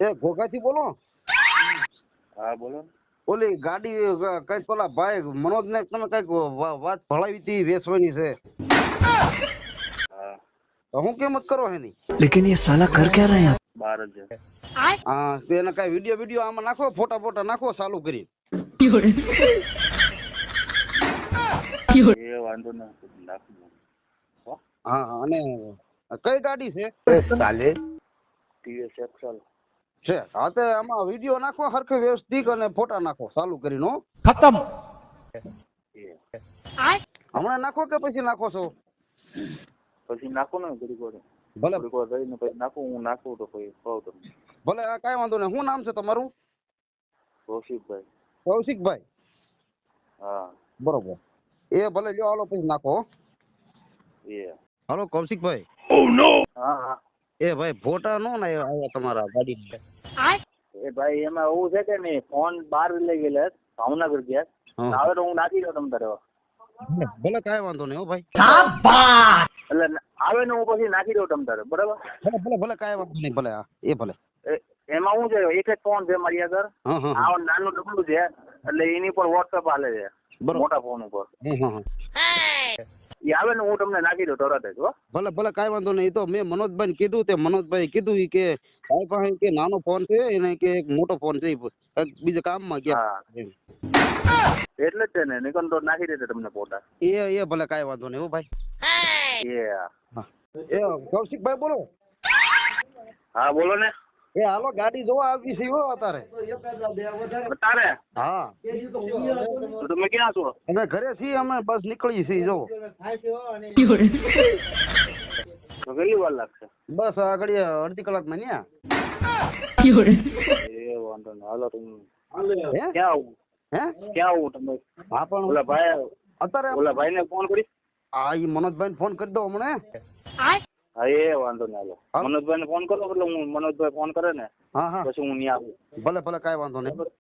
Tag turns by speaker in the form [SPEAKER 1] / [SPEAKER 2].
[SPEAKER 1] એ ઘોઘાથી બોલો?
[SPEAKER 2] હા બોલો.
[SPEAKER 1] ઓલી ગાડી કઈક પેલા ભાઈ મનોજ ને તમે કઈક વાત ભળાવી હતી વેચવાની છે,
[SPEAKER 2] હા
[SPEAKER 1] તો હું કિંમત કરો એની?
[SPEAKER 3] लेकिन ये साला कर क्या रहे हैं
[SPEAKER 2] 12,000.
[SPEAKER 1] હા તો એને કઈ વિડીયો આમાં નાખો, ફોટા નાખો ચાલુ કરી.
[SPEAKER 2] એ વાંધો નથી, નાખું.
[SPEAKER 1] હા અને કઈ ગાડી છે?
[SPEAKER 3] साले?
[SPEAKER 2] TVS Excel.
[SPEAKER 1] છે હા તો આમાં વિડીયો નાખો હરખે વ્યવસ્થિત અને ફોટા નાખો ચાલુ કરીને હો.
[SPEAKER 3] खत्म.
[SPEAKER 1] હમણાં નાખો કે પછી નાખો છો?
[SPEAKER 2] પછી નાખો ને ઘડીક વાર
[SPEAKER 1] ભલે
[SPEAKER 2] રહીને પછી નાખું. હું નાખું તો પછી કહું તમને.
[SPEAKER 1] ભલે કાંઈ વાંધો નહીં. શું નામ છે તમારું?
[SPEAKER 2] કૌશિકભાઈ.
[SPEAKER 1] કૌશિકભાઈ?
[SPEAKER 2] હા
[SPEAKER 1] બરોબર. એ ભલે લ્યો હાલો પછી નાખો.
[SPEAKER 2] એ
[SPEAKER 1] હાલો કૌશિકભાઈ.
[SPEAKER 2] હા હા.
[SPEAKER 1] એ ભાઈ ફોટા નો ને આવ્યા તમારા ગાડી?
[SPEAKER 2] એ ભાઈ એમાં એવું છે કે નહીં, ફોન બહાર લઈ ગયેલા ભાવનગર ગયા. હવે તો હું નાખી દઉં તમ તારે.
[SPEAKER 1] ભલે કાંઈ વાંધો નહીં હો ભાઈ.
[SPEAKER 2] એટલે આવે ને હું પછી નાખી દઉં તમ તારે, બરાબર?
[SPEAKER 1] ભલે કાંઈ વાંધો નહીં. ભલે હા એ ભલે.
[SPEAKER 2] એમાં શું છે, એક જ ફોન છે મારી આગળ. આ નાનું ડબલું છે એટલે એની પર વોટ્સઅપ હાલે છે મોટા ફોન ઉપર. એ આવે ને હું તમને નાખી દઉં તરત જ.
[SPEAKER 1] ભલે કાંઈ વાંધો નહીં. એ તો મેં મનોજભાઈ કીધું, તે મનોજભાઈ કીધું કે ભાઈ પાસે કે નાનો ફોન છે એને કે એક મોટો ફોન છે બીજા કામમાં ગયા.
[SPEAKER 2] એટલે જ છે ને, નિકન તો નાખી દેશે તમને ફોટા.
[SPEAKER 1] એ ભલે કાંઈ વાંધો નહીં હો ભાઈ. એ કૌશિકભાઈ બોલો?
[SPEAKER 2] હા બોલો ને.
[SPEAKER 1] એ હાલો ગાડી જોવા આવી છે હો અત્યારે.
[SPEAKER 2] તારે?
[SPEAKER 1] હા.
[SPEAKER 2] તો તમે ક્યાં છો?
[SPEAKER 1] અમે ઘરે છીએ, અમે બસ નીકળી છીએ જો.
[SPEAKER 2] તો કેટલી વાર લાગશે?
[SPEAKER 1] બસ આગળ અડધી કલાકમાં ન્યા.
[SPEAKER 2] એ વાંધો નહીં, હાલો તમે. ક્યાં આવું? ક્યાં આવું તમે?
[SPEAKER 1] હા પણ
[SPEAKER 2] ઓલા ભાઈ
[SPEAKER 1] અત્યારે
[SPEAKER 2] ઓલા ભાઈ ને ફોન કરી.
[SPEAKER 1] હા એ મનોજભાઈ ફોન કરી દો હમણે.
[SPEAKER 2] હા એ વાંધો નહીં, હાલો મનોજભાઈ ને ફોન કરો એટલે હું મનોજભાઈ ફોન કરે ને
[SPEAKER 1] હા
[SPEAKER 2] પછી હું ત્યાં આવું.
[SPEAKER 1] ભલે કાંઈ વાંધો નહીં.